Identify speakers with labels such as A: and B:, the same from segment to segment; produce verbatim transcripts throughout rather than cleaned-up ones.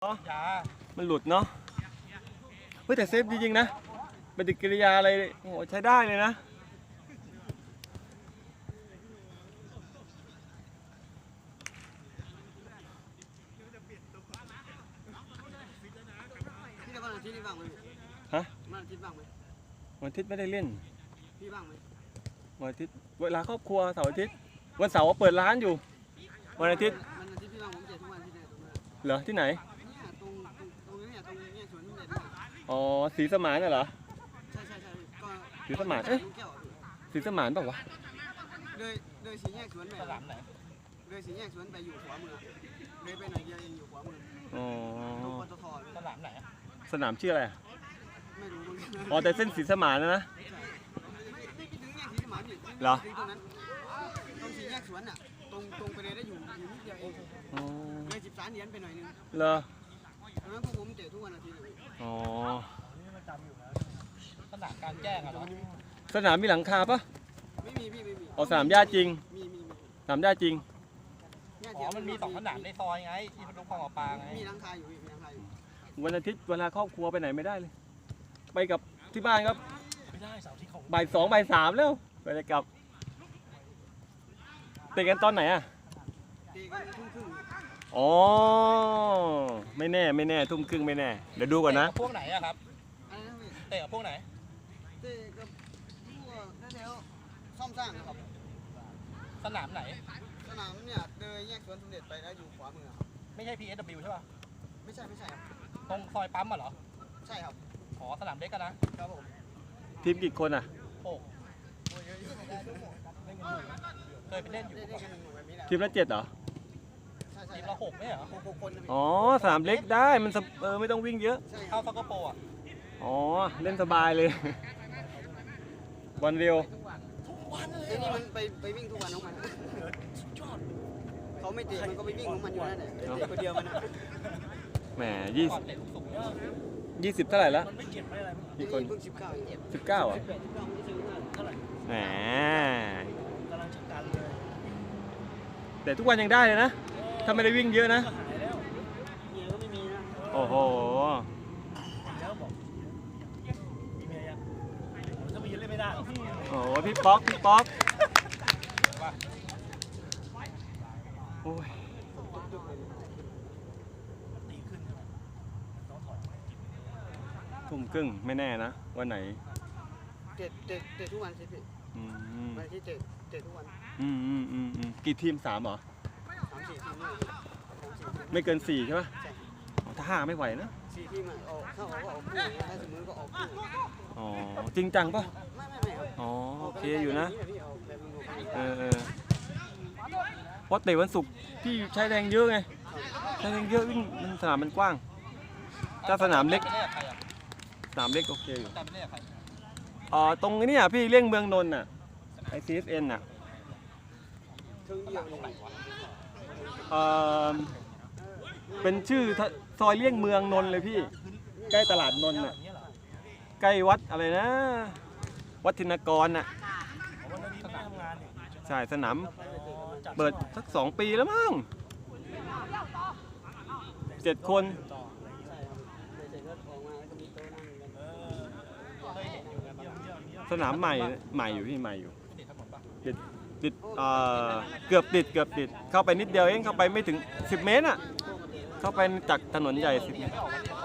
A: ยา
B: มันหลุดเนาะเฮ้ยแต่เซฟจริงๆนะปฏิกิริยาอะไรโอ้ใช้ได้เลยนะ
C: พี่จะวันอาทิตย์นี่บ้างไหม
B: ฮะ
C: วันอาทิตย์บ้างไหม
B: วันอาทิตย์ไม่ได้เล่น
C: พี่บ้างไหม
B: วันอาทิตย์เวลาครอบครัวเสาร์อาทิตย์วันเสาร์เปิดร้านอยู่วันอาทิตย์
C: วันอาทิตย์พี่บ้างผมเจ็ดทุกวันที่ไหนตรงนั้น
B: เหรอที่ไหน
C: เนี่ยตรงตรงนี้เนี่ยตรงนี้สวนทุเรียน
B: อ๋อสีสมานน่ะเหรอ
C: ใช่ใช่ใช่ก็
B: สีสมานเอ๊ะสีสมานเปล่าวะ
C: เลยเลยสีแยกสวนไปสนามไหนเลยสีแยกสวนไปอยู่ขวามือเลยไปหน่อยเดียวเองอยู่ขวามือ
B: อ๋อ
C: ตรงปตท
A: สนามไหน
B: สนามชื่ออะไร
C: ไม่รู้
B: อ๋อแต่เส้นสีสมานนะนะ
C: ไม่ไปถึงแยกสีสมานนี่
B: เหรอ
C: ตรงนั้นตรงสีแยกสวนอ่ะตรงตรงไปเลยได้อยู่อยู่นิดเดียวเองเลยสิบสามเหรียญไปหน่อยนึง
B: เหรอ
C: ตอนนั้นพวกผมเตะทุกวันอาทิตย์เลย
B: อ๋อ
A: สนามการแจ้งอะเหรอ
B: สนามมีหลังคาปะ
C: ไม่มีพี่ไม่มี
B: อ๋อสนามหญ้าจริง
C: มีมี
B: สนามหญ้าจริง
A: อ๋อมันมีสองสนามในซอยไงที่พนุคลองปลาไง
C: มีหลังคาอยู่มีหลังคาอยู่
B: วันอาทิตย์เวลาครอบครัวไปไหนไม่ได้เลยไปกับที่บ้านครับ
A: ไม่ได้เสาร์ที่ของ
B: บ่ายสองบ่ายสามแล้วไปเลยกับเตะกันตอนไหนอะ
C: เตะกันทุ่มครึ่ง
B: อ๋อไม่แน่ไม่แน่ทุ่มครึ่งไม่แน่เดี๋ยวดูก่อนนะ
A: พวกไหนอะครับเตะกับพวกไหน
C: เตะกับพวกแถวซ่อมสร้างครับ
A: สนามไหน
C: สนามเนี่ยเดินแยกสวนสมเด็จไปแล้วอยู่ขวามือ
A: ไม่ใช่ พี เอส ดับเบิลยู ใช่ป่ะ
C: ไม่ใช่ไม่ใช่ครับ
A: ตรงซอยปั๊มอะเหรอ
C: ใช่ครับ
A: อ๋อสนามเล็กกันนะครับ
C: ผม
B: ทีมกี่คนอะ
A: โอ้เคยไปเล่นอยู่
B: ทีมละเจ็ดเหรอ
A: ทีมละหกไม่เหรอ
B: อ๋อสนามเล็กได้มันเออไม่ต้องวิ่งเยอะ
A: เข้าซักกะโปอะ
B: อ๋อเล่นสบายเลยวันเร็ว
C: ไอ้นี่มันไปไปวิ่งทุกวันของมันเขาไม่เตะมันก็ไปวิ่งของมันอยู่นั่นแหละเตะคนเดียวมันนะ
B: แหมยี่สิบยี่สิบเท่าไหร่แล้ว
C: กี่คนเพิ่งสิบเก้า
B: สิบเก้าอ่ะแหมแต่ทุกวันยังได้เลยนะถ้าไม่ได้วิ่งเยอะนะโอ้โหโอ้โหพี่ป๊อกพี่ป๊อกโอ้ยทุ่มครึ่งไม่แน่นะวันไหน
C: เตะเตะเตะทุกวันสิพี่วันที่เตะเตะทุกวัน
B: อืมอืมอืมอืมกี่ทีมสามเหรอ
C: สามสี่ทีม
B: ไม่เกินสี่ใช่ปะถ้าห้าไม่ไหวนะ
C: สี่ทีมอ่ะออกเข้าออกก็ออกคู่ถ้าสมมติก็ออกคู่
B: อ๋อจริงจังปะ
C: ไม่ไม่ไม่
B: อ๋อโอเคอยู่นะเออเออเพราะเตะวันศุกร์พี่ใช้แรงเยอะไงใช้แรงเยอะวิ่งมันสนามมันกว้างถ้าสนามเล็กสนามเล็กโอเคอยู่อ๋อตรงนี้อ่ะพี่เลี่ยงเมืองนนท์อ่ะไอซีเอสเอ็นอ่ะเออเป็นชื่อซอยเลี่ยงเมืองนนท์เลยพี่ใกล้ตลาดนนท์อ่ะใกล้วัดอะไรนะวัดธินกรน่ะใช่สนามเปิดสักสองปีแล้วมั้งเจ็ดคนสนามใหม่ใหม่อยู่พี่ใหม่อยู่ติดติดเอ่อเกือบติดเกือบติดเข้าไปนิดเดียวเองเข้าไปไม่ถึงสิบเมตรอ่ะเข้าไปจากถนนใหญ่สิบเมตร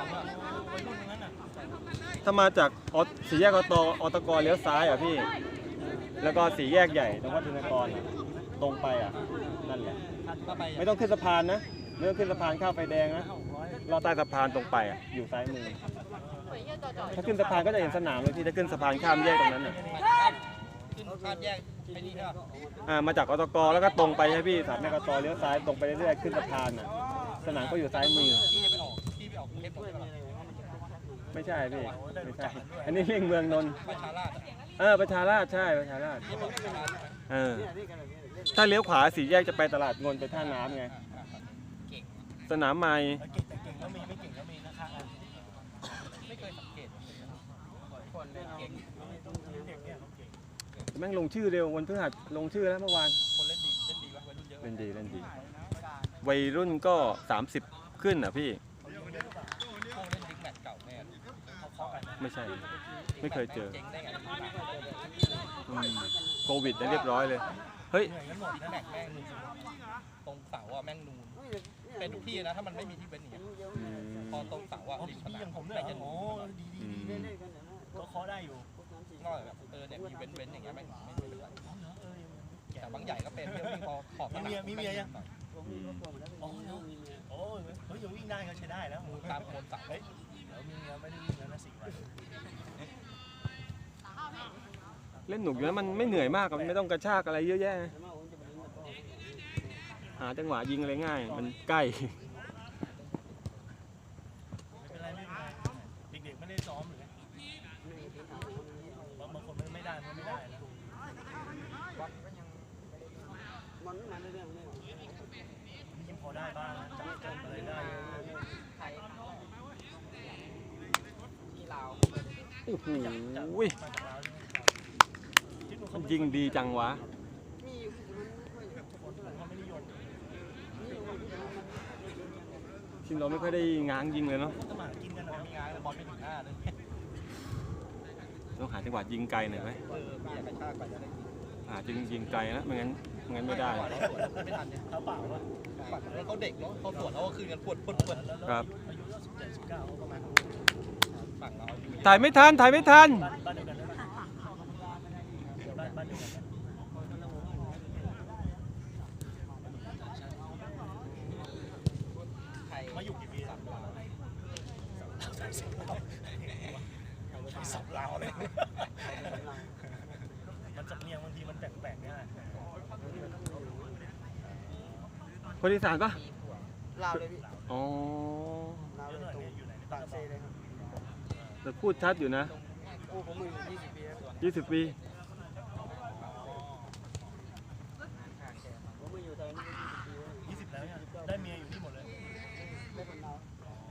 B: ถ้ามาจากสี่แยกอตอตกเลี้ยวซ้ายอ่ะพี่แล้วก็สี่แยกใหญ่ตรงวัดธินกรตรงไปอ่ะนั่นแหละไม่ต้องขึ้นสะพานนะไม่ต้องขึ้นสะพานข้ามไฟแดงนะเราใต้สะพานตรงไปอ่ะอยู่ซ้ายมือถ้าขึ้นสะพานก็จะเห็นสนามเลยพี่ถ้าขึ้นสะพานข้ามแยกตรงนั้นอ่ะ
A: ขึ้นข้ามแยกไอ้นี่ใช่ป่ะ
B: อ่ามาจากอตกแล้วก็ตรงไปใช่พี่สามแยกอตเลี้ยวซ้ายตรงไปเรื่อยๆขึ้นสะพานอ่ะสนามก็อยู่ซ้ายมือไม่ใช่พี่ไม่ใช่อันนี้เลี่ยงเมืองนนท์เออประชาราษฎร์ใช่ประชาราษฎร์เออถ้าเลี้ยวขวาสี่แยกจะไปตลาดนนท์ไปท่าน้ำไงสนามใหม่แม่งลงชื่อเร็ววันพฤหัสลงชื่อแล้วเมื่อวาน
A: คนเล่นดีเล่นดีวะวัยรุ่นเยอะ
B: เล่นดีเล่นดีวัยรุ่นก็สามสิบขึ้นอ่ะพี่
A: เขาเล่นบิ๊กแมตช์เก่าแน่เขาเคาะกัน
B: ไม่ใช่ ไม่เคยเจอ
A: เจ๊งได้ไง
B: อืมโควิดได้เรียบร้อยเลย เฮ้ย
A: เหนื่อยกันหมดนะแม็กแม่งนูนตรงเสาอะแม่งนูนเป็นทุกที่นะถ้ามันไม่มีที่เว้นอย่างเงี้ย
B: อืม
A: พอตรงเสาอะริมสนามผมเนี่ยจะนูน
B: อืม
D: ก็เคาะได้อยู่
A: นอกจากแบบเออเนี่ยมีเว้นเว้นอย่างเงี้ยแม่งไม่เป็นไรแต่บางใหญ่ก็เป็นเที่ยววิ่งพอขอบสนาม
D: มีเมียยัง
C: ผมมีครอบครัวหมดแล้ว
D: อ๋อเนาะโอ้ยเฮ้ยยังวิ่งได้ก็ใช้ได้แล้ว
A: ตามโคนเสา
D: เฮ้ยเดี๋ยวมีเมียไม่ได้วิ่งแล้วนะสี่วัน
B: เล่นหนุกอยู่แล้วมันไม่เหนื่อยมากอะมันไม่ต้องกระชากอะไรเยอะแยะ หาจังหวะยิงอะไรง่าย มันใกล้
D: ไม่เป็นไรไม่เป็นไรเด็กๆไม่ได้ซ้อมหรือบางบางคนไม่ได้มันไม่ได้แล้ว
C: มันมาเรื่อยๆเลย
D: ยิงพอได้บ้างจับจับอะไรได้
A: ที่ลาว
B: โอ้โห
D: มาจากลาวใช่ไหม
B: มันยิงดีจังวะ
C: มีอยู่มันไม่ค่อย
D: เขาไม่นิยม
B: ชินเราไม่ค่อยได้ง้างยิงเลยเนาะ
D: สมัครกินกันนะ
A: มีงานบอลไม่ถึงหน้าเลย
B: ต้องหาจังหวะยิงไกลหน่อยไหม
A: เออมีอยากกระชากไปจะได้ยิง
B: หาจริงยิงไกลนะไม่งั้นไม่งั้นไม่ได้
A: ไม่ทันเนี่ย
D: เท้าเปล่าว่ะ
A: ปัดแล้วเขาเด็กเนาะเขาสวนเขาก็คืนกันปวดปวดปวด
B: ครับ
D: อายุสิบเจ็ดสิบเก้าประมาณ
A: ฝั่งเราอยู่
B: ถ่ายไม่ทัน ถ่ายไม่ทัน
D: บ้านบ้านเดียวกันเลยบ้านบ้านเดียวกันมาอยู่กี่ปีสามลาวสับลาวเลยมันสำเนียงบางทีมันแปลกๆเนี่ย
B: คนอีสานปะ
C: ลาวเลยพี่
B: อ๋อ
C: ลาว
D: เย
C: เล
D: อะ
C: ย
D: หน่อย
C: ตรง
D: เนี่ยอยู่ไหน
C: ปากเซเลยครับ
B: แต่พูดชัดอยู่นะ
C: โอ้ผมมาอยู่ยี่สิบปีแล้ว
B: ยี่สิบปี
C: ผมมาอยู่ตอนนี้ยี่สิบปีแล้ว
D: ยี่สิบแล้วเนี่ยได้เมียอยู่ที่หมดเลย
C: ได้คนลาว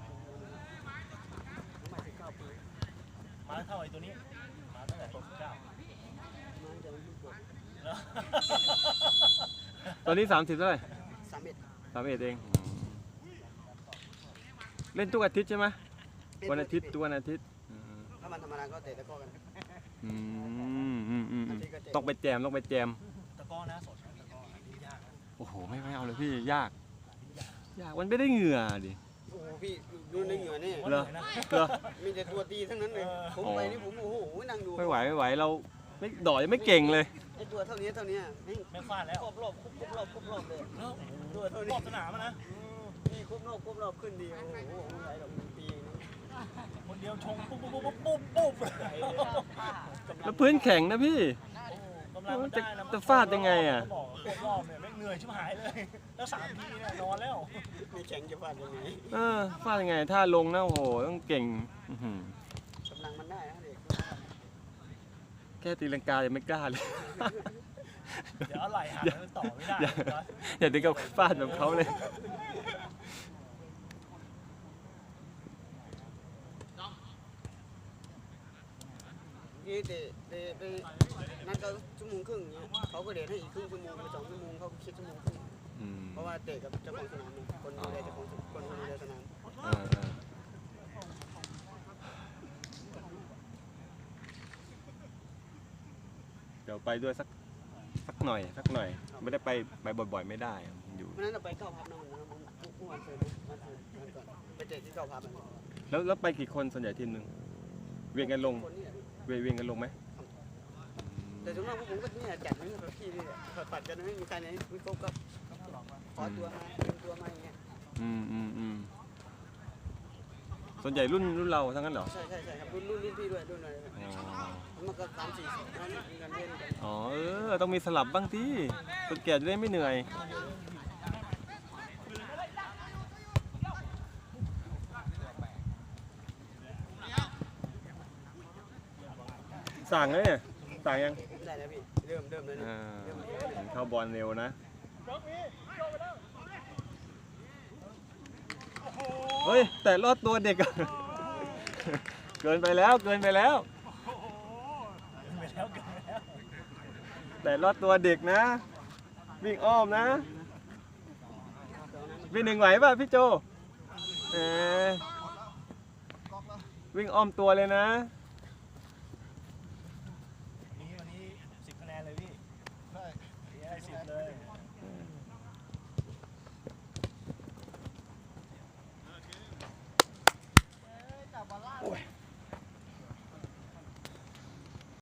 C: ผมมาสิบเก้าปี
D: มาเท่าไอ้ตัวนี้มาตั้งแต่ตัวสิบเก้า
C: มาจากวันที่เกิด
D: แล้ว
B: ตอนนี้สามสิบเท่าไหร่
C: สามเอ็ด
B: สามเอ็ดเอง เล่นทุกอาทิตย์ใช่ไหมวันอาทิตย์ทุกวันอาทิตย์ อืม
C: ถ้ามันธรรมดาก็เตะตะก้อกัน
B: อืมอืมอืมอืมต้องไปแจมต้องไปแจม
D: ตะก้อนะสดตะก้ออันนี้ยากนะ
B: โอ้โห ไม่ไม่เอาเลยพี่ ยาก ยาก มันไม่ได้เหงื่อดิ
C: โอ้โหพี่ดูในเหงื่อนี่
B: เหรอ เหรอ
C: มีแต่ตัวตีทั้งนั้นเลยผมไปนี่ผมโอ้โหนั่งดู
B: ไม่ไหวไม่ไหว เราไม่ดอกยังไม่เก่งเลย
C: ไอตัวเท่านี้เท่านี้แม่ง
D: ไม่ฟาดแล้ว
C: ครบรอบครบรอบครบรอบเลย
D: ตัวเท่านี้รอบสนามอะนะ
C: นี่ครบรอบครบรอบขึ้นดีโอ้โหไม่ไหวหรอกปีนึง
D: คนเดียวชงปุ๊บปุ๊บปุ๊บปุ๊บปุ๊บ
B: แล้วพื้นแข็งนะพี่
D: กำลังมันได้นะ
B: จะฟาดยังไงอะ
D: บอกครบรอบเนี่ยแม่งเหนื่อยชิบหายเลย แล้วสามทีเนี่ยนอนแล้ว
C: มีแข่งจะฟาดยังไง
B: เออฟาดยังไง ถ้าลงนะโอ้โห ต้องเก่งอื้อหือก
C: ำลังมันได้นะเด็ก
B: แค่ตีลังกายังไม่กล้าเลย
D: เดี๋ยวอะไรหาแล้วต่อไม่ได้
B: อย่าอย่าถึงกับฟาดแบบเขาเลย
C: นี่เตะเตะไปนัดก็ชั่วโมงครึ่งเงี้ยเขาก็เดทให้อีกครึ่งชั่วโมงไปสองชั่วโมงเขาคิดชั่วโมงครึ่ง
B: อืม
C: เพราะว่าเตะกับเจ้าของสนามเนี่ยคนดูแลเจ้าของคนดูแลสนาม
B: อ่าอ่าเดี๋ยวไปด้วยสักสักหน่อยสักหน่อย ไม่ได้ไปไปบ่อยๆไม่ได้มันอยู่
C: วันนั้นเราไปเก้าพับนะวันนั้นเมื่อวันเสาร์วันเสาร์วันก่อนไปเตะที่เก้าพับอ่ะ
B: แล้วแล้วไปกี่คนส่วนใหญ่ทีมหนึ่งเวียนกันลง
C: คนนี่แหละ
B: เวียนเวียนกันลงไหม
C: แต่ส่วนมากพวกผมก็เนี่ยจัดนี่แบบพี่นี่แหละปัดกันไม่มีใครไหนไม่ครบก็ขอตัวมาเตรียมตัวมาอย่างเงี้ย
B: อืมอืมอืมส่วนใหญ่รุ่นรุ่นเราทั้งนั้นเหรอ
C: ใช่ใช่ใช่ครับรุ่นรุ่นรุ่นพี่ด้วยรุ่นอะไร
B: อ๋อ
C: มันก็สามสี่สิบนั่นกันเล่นกัน
B: อ๋อเออต้องมีสลับบ้างที่คนแก่จะได้ไม่เหนื่อยสั่งเลยเนี่ยสั่งยัง
C: ได้แล้วพี่เริ่มเริ่มเลยนะ
B: อ่า
C: เริ่มเลย
B: เห็นเข้าบอลเร็วนะเฮ้ยแต่รอดตัวเด็กอะ เกินไปแล้วเกินไปแล้ว
D: ไปแล้วเกินไปแล้ว
B: แต่รอดตัวเด็กนะ วิ่งอ้อมนะวิ่งหนึ่งไหวป่ะพี่โจเออวิ่งอ้อมตัวเลยนะ
D: นี่วันนี้สิบคะแนนเลยพี่ใช่ได้สิบเลย